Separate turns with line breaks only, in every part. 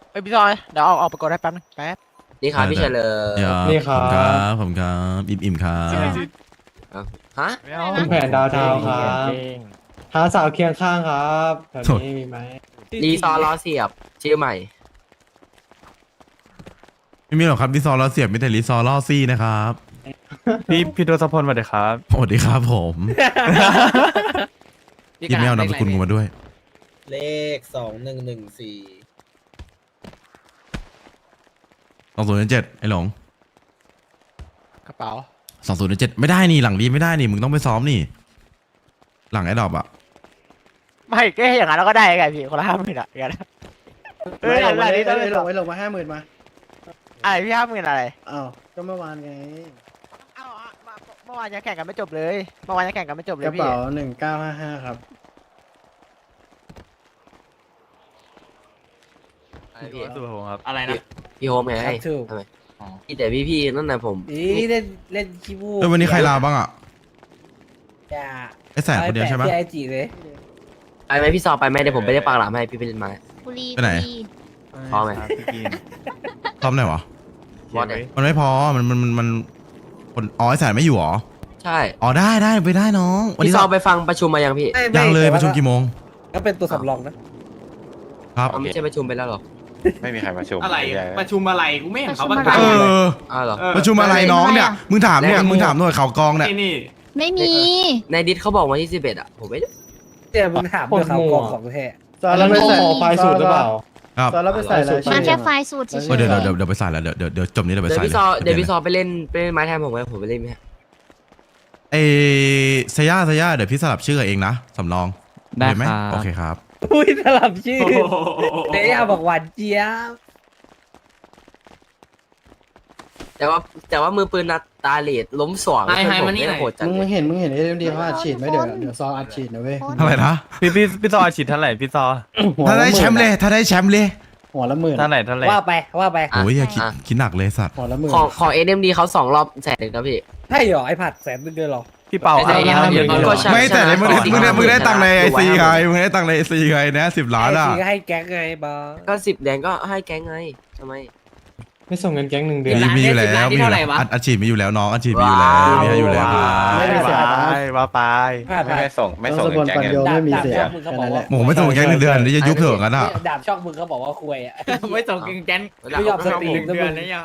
เอ้ยพี่ซอยเดี๋ยวเอาไปกดได้แป๊บนึงแป๊บ
นี่ครับพี่เฉลิม
นี่ครับผมครับอิ่มครั
ใช่ไหม
บ
คะ
ฮะ
ไม่เอา
อะไรนะ
คุณแผนดาวเทาครับหาสาวเคียงข้างครับแถวนี้มีไหม
รีซอร์ล้อเสียบชื่อใหม่
ไม่มีหรอกครับรีซอร์ล้อเสียบมีแต่รีซอร์ล่อซี่นะครับ
พี่ทศพลสวัสดีครับ
สวัสดีครับผมยินไม่เอานามสกุลกูมาด้วย
เลข2114
2007ไอ้หลง
กระเป๋า
2007ไม่ได้นี่หลังดีไม่ได้นี่มึงต้องไปซ้อมนี่ หลังไอ้ดอกอะ
ไม่ก็อย่างนั้นเราก็ได้ไงพี่คนละ50,000อะอย่างนั้นเอ้ยอะไรนี่ต้อง
ลงไว้ลงมา50,000มา
อะไรพี่50,000อะไร
อ้าวก็เมื่อวานไง
เอ้าเมื่อวานยังแข่งกันไม่จบเลยเมื่อวานยังแข่งกันไม่จบเล
ก
ย
ระ
พี่
เป๋า1955ครับ
พี่
สุภพงศ์ครับ
อะไรนะ
พี่โฮมไง
ถูก
ทำไมพี่แต่พี่นั่นน่ะผม
นี่เล่นเล่นคีบู
วันนี้ใครลาบ้างอะ
อย่า
ไอ้แสบคนเดียวใช่ไหม
พี่ไอจีเลย
ไปไหมพี่ซอไปไหมเดี๋ยวผมไปได้ปากหลามให้พี่ไปเล่นไม้
บุรี
ไปไหน
บุรี
พอไหม
ครับพี่กิน
ซ้อมไหนวะ
บอสเนี่ย
มันไม่พอมันคนอ๋อไอ้แสบไม่อยู่หรอ
ใช่
อ๋อได้ไปได้น้องวัน
พี่
นี้
ซอไปฟังประชุมมายังพี่
ยังเลยประชุมกี่โมง
ก็เป็นตัวสำรองนะ
ครับ
อ๋อไม่ใช่ประชุมไปแล้วหรอ
ไม่มีใครมาชม
อะไรประชุมอะไรกูไม่เห็นเขาประ
ประ
กาศ
ชุม
เอ
อะไร
อ
อ้าวเหรอ
ประชุมอะไรน้องเนี่ยมึงถามเนี่ยมึงถามหน่วยข่าวกองเนี่ย
นี่
ไม่มี
ในดิสเขาบอกวันที่11อ่ะผมไม่
เดี๋ยวมึงถามเรื่องข่าวกองของแท้ตอนเราไปใส่ไฟสูตรหรือเปล่า
ครับ
ตอนเราไปใส่อะไร
มาแค่ไฟล์สูตรเฉย
เดี๋ยวไปใส่แล้วเดี๋ยวจบนี้เดี๋ยวไป
เดี๋ยว
ใส่
พี่ซอเดี๋ยวพี่ซอไปเล่นไม้แทนผมไหมผมไปเล่นไหม
เอเซย่าเดี๋ยวพี่สลับชื่อเองนะสำรองได้ไหมโอเคครับ
อุ้ยสลับชื่อ
ๆ
เดี๋ยวบอกหวานเจี๊ยบ
แต่ว่ามือปืนนัดตาเลดล้มสวง
ให้มานี่หน่อย
โหดจัด
มึงเห็นเอ็มดีเขาอัดฉีดไหมเดี๋ยวซออัดฉีดนะเว้ย
อะไรนะ
พี่ซอฉีดเท่าไหร่พี่ซอ
ถ้าได้แชมป์เลยถ้าได้แชมป์เลย
หัวละหมื่น
เท่าไหร่
ว่าไป
โอ้ยอย่าคิดหนักเลยสัตว์
หัวละหมื่น
ของ NMD เขา2 รอบ100,000นะพี่
ใช่เหรอไอผัด100,000เดือนหรอ
พี่เปา
ไม่ได้
เยอะ
ก็ใช่
ไม่แต่มึงได้ตังค์ในไอซีไงมึงได้ตังค์ในไอซีไงนะ10 ล้านอ่ะ
ก็ให้แก๊งไงบอ
ก็10 แดงก็ให้แก๊งไงทำไม
ไม่ส่งเงินแก๊ง1 เดือน
มีอยู่แล้วอัดฉีดมีอยู่แล้วน้องอัดฉีดมีอยู่แล้วมีให้อยู่แล้ว
ไม่มีเสียนะ
ว่าไป
ไม่ส่งแก๊งไม่มีเสียแค่นั้นแหละ
โอ้ไม่ต้องแค่1 เดือนนี่จะยุบเถอะกันอ่ะ
ดาบช่องมึงเขาบอกว่าคุยอ่ะ
ไม่ส่งกิงแกน
ไม่ยอมสตรีม
เดือนนี้อ่ะ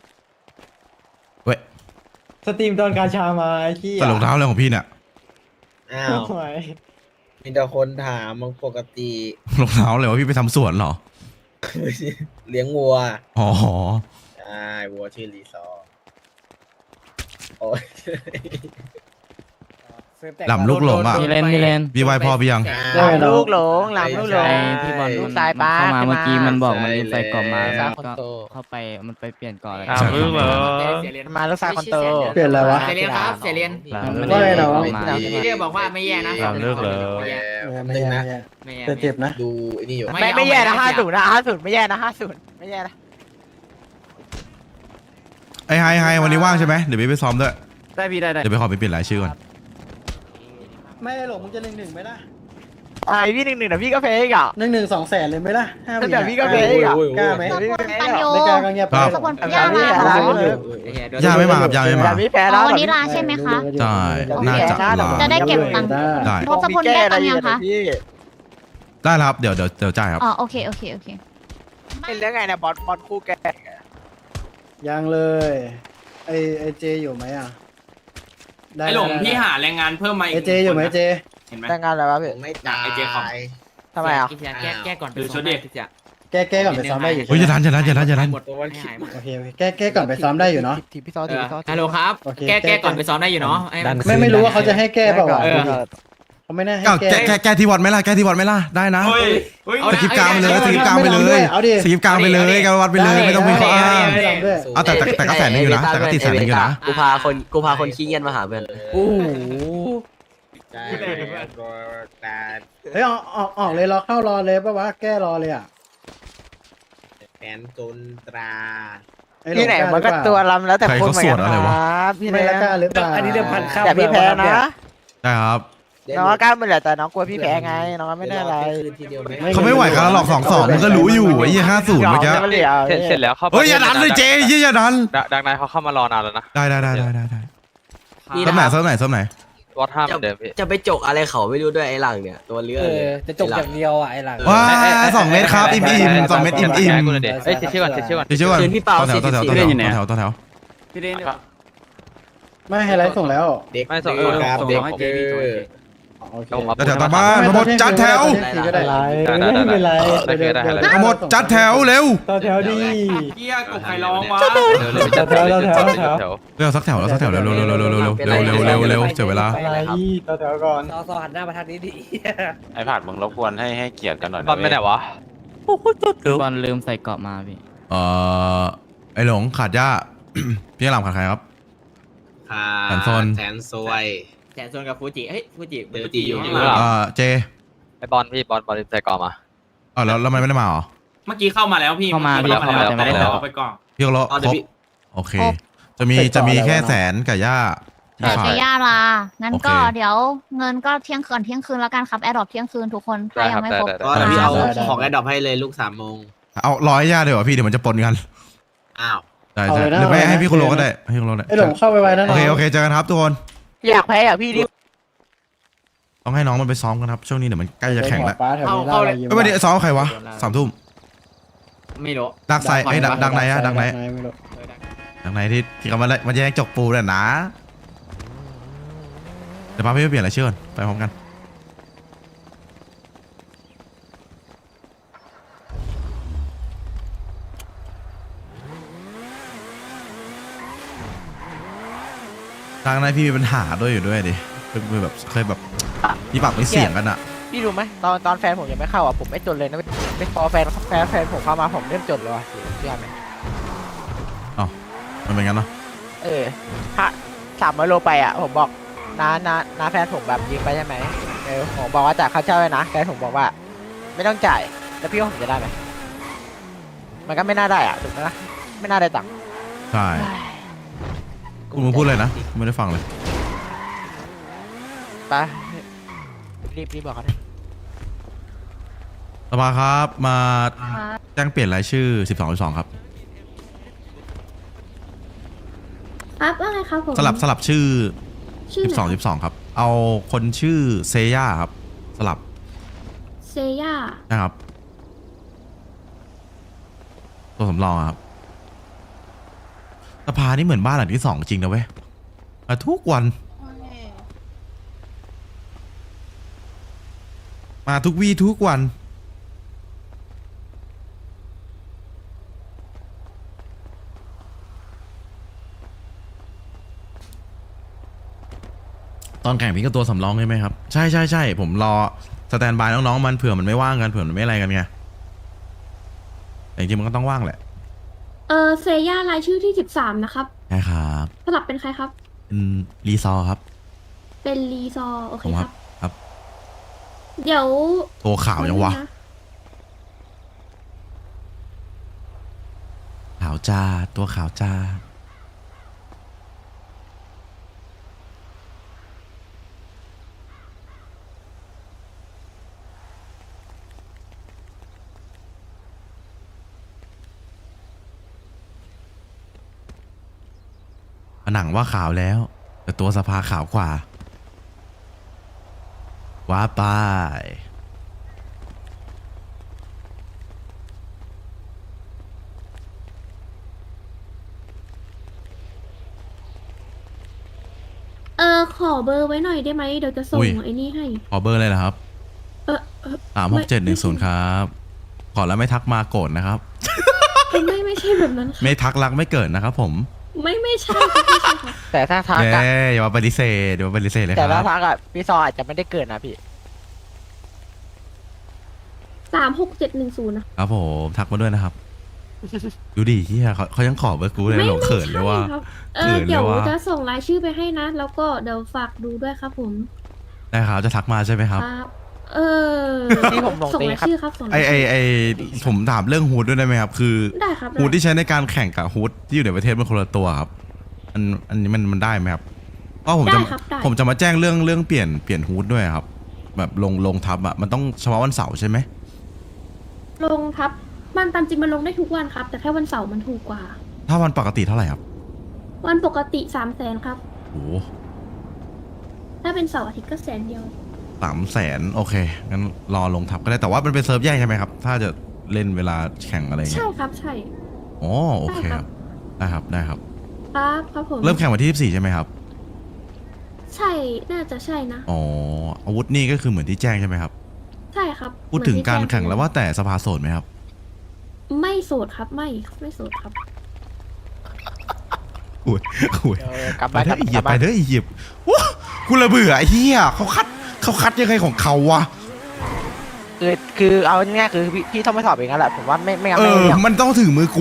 สตรีมตอนกาชามาขี้
แต่รองเท้าอะไรของพี่เนี่ย
อ้าวมีแต่คนถามมึงปกติ
รองเท้าเลยว่าพี่ไปทำสวนเหรอ
เลี้ยงวัว
อ๋อ
ใช่วัวชื่อรีซอร์โอ้ย
หล่ำลูกหลงอ่ะ
มีเลน
พี่ไหว้พ่อพี่ยัง
หลังลูกหลงหลังลูกหลง
พี่บอล
ลูกตายป้า
เข้ามาเมื่อกี้มันบอกมัน
ใช่
ใส่กล่องมา
แล้ว
แล้วก็เข้าไปมันไปเปลี่ยนก่อนอะไร
ถามลูกเหรอ
มาลูกชายคนโต
เปลี่ยนอะไรวะ
เสียเรียนครับเสียเรียน
มัน
ว่าไงเหรอ
พี่เรียกบอกว่าไม่แย่นะ
หลังเลิกเลย
ไม่แย่
ไม่แย่
แต่เจ็บนะ
ดูไอ้นี่อยู่
ไม่แย่นะ50นะ50ไม่แย่นะ50ไม่แย่นะ
ไอ้ไฮวันนี้ว่างใช่ไหมเดี๋ยวพี่ไปซ้อมด้วย
ได้พี่ได้
เดี๋ยวไปขอไปเปลี่ยนรายชื่อก่อน
ไม่หลงมึงจะ1-1ไหมล่ะ
ไอพี่1-1นะพี่ก็เพย์อีกอ่ะ
1-1 200,000เลยไหมล่ะ5
แต่พี่ก็เพย์อีกอ่ะ
กล้าไหม
ขบวนปัญโย
ไม่กล้าก็เงียบไป
ขบวนปัญญาลาเหรอ
ย่าไม่มาครับย่าไม่
แต่
มา
พี่แพ้
อ๋
แล้
อ
ว
วันนี้ลาใช่ไหมคะ
ใช่น่าจะลา
จะได้เก็บตังค์
ได้
ทศพลได้ตังค์ยังคะ
ได้แล้วครับเดี๋ยวจ่ายครับ
อ๋อโอเค
เป็นเรื่องไงนะบอสคู่แก
ยังเลยไอเจอยู่ไหมอ่ะ
ไอหลงพี่หาแรงงานเพิ่มมาอีก
ไอเจอยู่ไหมเจ
เห็นไหม
แต่งงานอะไรวะพี่
ผมไม่ตาย
ไอ้เจ๊ของ
ทำไมอ่ะ
แก้ก่อนดูชุดดิ
แก้ก่อนไปซ้อมได้อยู่
เฮ้ยจะทัน
ตัววันคิด
โอเคแก้ก่อนไปซ้อมได้อยู่เนาะ
ทีพี่ซอทีพี่ซอ
ฮัลโหลครับ
โอเค
แก้ก่อนไปซ้อมได้อยู่เนาะ
ไม่รู้ว่าเขาจะให้แก้เปล่าวะเขาไม่น่าให้แก้
แกที่วอดไหมล่ะได้นะสกิปกลางไปเลยสกิปกลางไปเลย
เอาดิ
สกิปกลางไปเลยการวัดไปเลยไม่ต้องมีข้ออ้าง
ไม่ลองด้วย
เอาแต่ก็แสนนึงอยู่นะแต่ก็ติดแสนนึงอยู่นะ
กูพาคนขี้เงียจมาหาเพื่อน
โอ้โห
ใช่ตัวตา
เฮ้ยออกเลยรอเข้ารอเลยปะวะแก้รอเลยอ่ะ
แอนจนตรา
ที่ไหนมันก็ตัวลำแล้วแต่คนเหมือนกันครับพี่
ไม่
แพ้
ละกล้าหรือเปล่า
แต่พี่แพ้นะ
ได้ครับ
น้องก็กล้ามันแหละแต่น้องกลัวพี่แพ้ไงน้องก็ไม่ได้อะไร
คืนทีเดียวเลย
เขาไม่ไหวกันแล้วหรอก2-2มันก็รู้อยู่ไอ้ยี่50เมื่อกี้
เสร็จแล้วเข้า
เฮ้ยอย่าดันเลยเจยี่อย่าดัน
ดังนายเขาเข้ามารอนานแล้วนะ
ได้ส้มไหนส้มไหน
วัดห้าเหมือนเดิมพี่
จะไปจกอะไรเขาไม่รู้ด้วยไอ้หลังเนี่ยตัวเลือดเลย
จะจบอย่างเดียวอ่ะไอ้หลัง
ว้า2 เม็ดครับอิ่ม2 เม็ดอิ่ม
เอ้ยเช็คชื่อก่อนเช็คชื่อก่อน
เดี๋ยวช่วยก่อน
คืนพี่เปา
ต่อแถว
44
ต่อแถว
พี่เดน
ไม่ไฮไลท์ส่งแล้ว
เด็ก
ไม่ส่ง
ดื้อครับ
ส่ง
เด็ก
ให้เจ
ดื้
พี่ส่งให้
อ
เจ
ต่อแถวตามบ้านทั้งหมดจัดแถว
ก็ได้ไม่เป็นไร
ทั้งหมดจัดแถวเร็ว
ต่อแถวดี
เฮียกบใครร้องวะ
เร็วสักแถวแล้วสักแถวเร็วเร็วเสียเวลา
อะไรต่อแถวก่อน
ซอหันหน้ามาทางนี้ดิ
ไอ้ผัดมึงรบกวนให้เกียรติกันหน่อยบอลไปไหนวะ
บอลลืมใส่เกาะมาพี่
ไอหลงขาดย่า พี่หลามขาดใครครับ แสนซน
แสนซวย
แสนโซนกับฟูจิเฮ้ยฟูจิ
ฟูจิอยู่
ข้าง
ข้าง
ห
หลั
ลัง
ง
เจ
ไอ้บอลพี่บอลลืมใส่กอมา
แล้วมันไม่ได้มาเหรอ
เมื่อกี้เข้ามาแล้วพี่
เข้ามาพี่เข้ามาแต่ไม่ได้
แล้
ใส่
วไปก่อน
พี่ก็รอ
เอา
ค
เดี๋ย
ร
ว
บ
พี่
โอเค จะมีแค่แสนกับย่า
แต่จะย่าลางั้นก็
โอเค
เดี๋ยวเงินก็เที่ยงคืนแล้วกันครับแอดดอปเที่ยงคืนทุกคนถ้ายังไม่ครบ
ก็เดี๋ยวพี่เอาของแอดดอปให้เลยลูก3 โมง
เอา100ย่าเดี๋ยวพี่เดี๋ยวมันจะปนกัน
อ้าว
ใช่หรือไม่ให้พี่คุณโลก็ได้ให้คุณโลได้
ไอ้หลงเข้าไปไว้นะ
โอเคเจอกันครับทุกคน
อยากแพ้อยากพี่ดิ
ต้องให้น้องมันไปซ้อมกันครับช่วงนี้เดี๋ยวมันใกล้จะแข่งแล้ว
ป้าแถวนี้ได้
ไม่วันนี้ซ้อมใครวะ3 ทุ่ม
ไม่รู้
ดักไซไอ้ดักไหนอะดักไหน
ไม่รู้
ดักไหนที่เขามาแย่งจกปูน่ะนะเดี๋ยวป้าพี่ไปเปลี่ยนอะไรเชื่อก่อนไปพร้อมกันทางนั้นพี่มีปัญหาด้วยอยู่ด้วยดิคือแบบเคยแบบมีปากมีเสียงกันอะ
พี่รู้ไหมตอนแฟนผมยังไม่เข้าอ่ะผมไม่จนเลยนะไม่พอแฟนผมเข้ามาผมเริ่มจนเลยว่ะเชื่อไหม
มันเป็นงั้นเนาะ
ถ้า300 โลไปอ่ะผมบอกน้าแฟนผมแบบยิงไปใช่ไหมผมบอกว่าจ่ายค่าเช่าเลยนะแฟนผมบอกว่า ไม่ต้องจ่ายแล้วพี่ว่าผมจะได้ไหมมันก็ไม่น่าได้อ่ะถูกไหมนะไม่น่าได้ตังค์
ใช่คุณมึงพูดเลยนะไม่ได้ฟังเลย
ไปรีบบอกเขาเลย
สภาครับมาแจ้งเปลี่ยนรายชื่อ 12 ครับ
ครับว่าไงครับผม
สลับชื่อ
ชื่อไหน
12 ครับ เอาคนชื่อเซย่าครับสลับ
เซย่า
นะครับตัวสำรองครับสภานี่เหมือนบ้านหลังที่ 2จริงนะเว้ยมาทุกวันมาทุกวี่ทุกวันตอนแข่งพี่ก็ตัวสำรองใช่ไหมครับใช่ผมรอสแตนบายน้องๆมันเผื่อมันไม่ว่างกันเผื่อมันไม่อะไรกันไงแต่จริงๆมันก็ต้องว่างแหละ
เซย่ารายชื่อที่13นะครับ
ใช่ครับ
สลับเป็นใครครับ
เป็นรีซอร์ครับ
เป็นรีซอร์โอเค
ผม
ค
ค
รั
รับ บครับ
เดี๋ยว
ตัวขาวยังวะขาวจ้าตัวขาวจ้าผนังว่าขาวแล้ว แต่ตัวสภาขาวกว่าว้าไป
ขอเบอร์ไว้หน่อยได้ไหมเดี๋ยวจะส่งไอ้นี่ให้
ขอเบอร์เลยนะครับ 36710ครับขอแล้วไม่ทักมาโกรธนะครับ
ไม่ใช่แบบนั้นค่ะ
ไม่ทักรักไม่เกิดนะครับผม
ไม่ใช่ครับไม่ใช่ครับ
แต่ถ้าทัก
เย้
อะ
อย่ามาปฏิเสธเดี๋ยวมาปฏิเสธเลยค
แต่ถ้า
รับ
ทักอะพี่ซออาจจะไม่ได้เกิดนะพี่
36710นะครับ
ผมทักมาด้วยนะครับ ดูดิเฮียเขายังขอเบอร์กูเลยหลงเขินเลยว่า
ใช่ครับ
เขินเลย
เดี๋ยว
ว่า
จะส่งรายชื่อไปให้นะ แล้วก็เดี๋ยวฝากดูด้วยครับผม
ได้ครับจะทักมาใช่ไหมครับ
ครับ
ที่ผมลง
ส่ง
ตี
ราย
ครับ
ชื่อครับส่ง
ไอ
รายชื่อ
ผมถามเรื่องฮูดด้วยได้ไหมครับ คือ
ได้ครับได้
ฮูดที่ใช้ในการแข่งกับฮูดที่อยู่ในประเทศมันคนละตัวครับอันนี้มันได้ไหมครับก็ผม
ได้
จะ
ครับได้
ผมจะมาแจ้งเรื่องเปลี่ยนฮูดด้วยครับ แบบลงทับอะมันต้องเฉพาะวันเสาร์ใช่ไหม
ลงครับมันตามจริงมันลงได้ทุกวันครับ แต่แค่วันเสาร์มันถูกกว่า
ถ้าวันปกติเท่าไหร่ครับ
วันปกติ300,000ครับ
โอ้
ถ้าเป็นเสาร์อาทิตย์ก็100,000
300,000โอเคงั้นรอลงทับก็ได้แต่ว่ามันเป็นเซิร์ฟแยกใช่ไหมครับ ถ้าจะเล่นเวลาแข่งอะไรเงี้
ใช่
ย
ครับใช่
อ๋อโอเคครับได้ครับได้ครับ
ครับผม
เริ่มแข่งวันที่24ใช่ไหมครับ
ใช่น่าจะใช่นะ
อ๋ออาวุธนี่ก็คือเหมือนที่แจ้งใช่ไหมครับ
ใช่ครับ
พูดถึงการ
เหมือนที่
แข่งแล้วว่าแต่สภาโสดไหมครับ
ไม่โสดครับไม่โสดครับ
โอ้ยโอ้ย
กลับ
ไป
บ้าน
เถ
กลั
อะ
บ
อีเหยียบ
บ้า
ไป
น
เถอะอีเหยียบว้ากูระเบื่อไอ้เหี้ยเขาคัดยังไงของเขาวะ
คือเอาง่ายๆคือพี่ต้องไปสอบเองนั่นแหละผมว่าไม่งั้น
เอ
ไม่
อ
เรื่อง
มันต้องถึงมือกู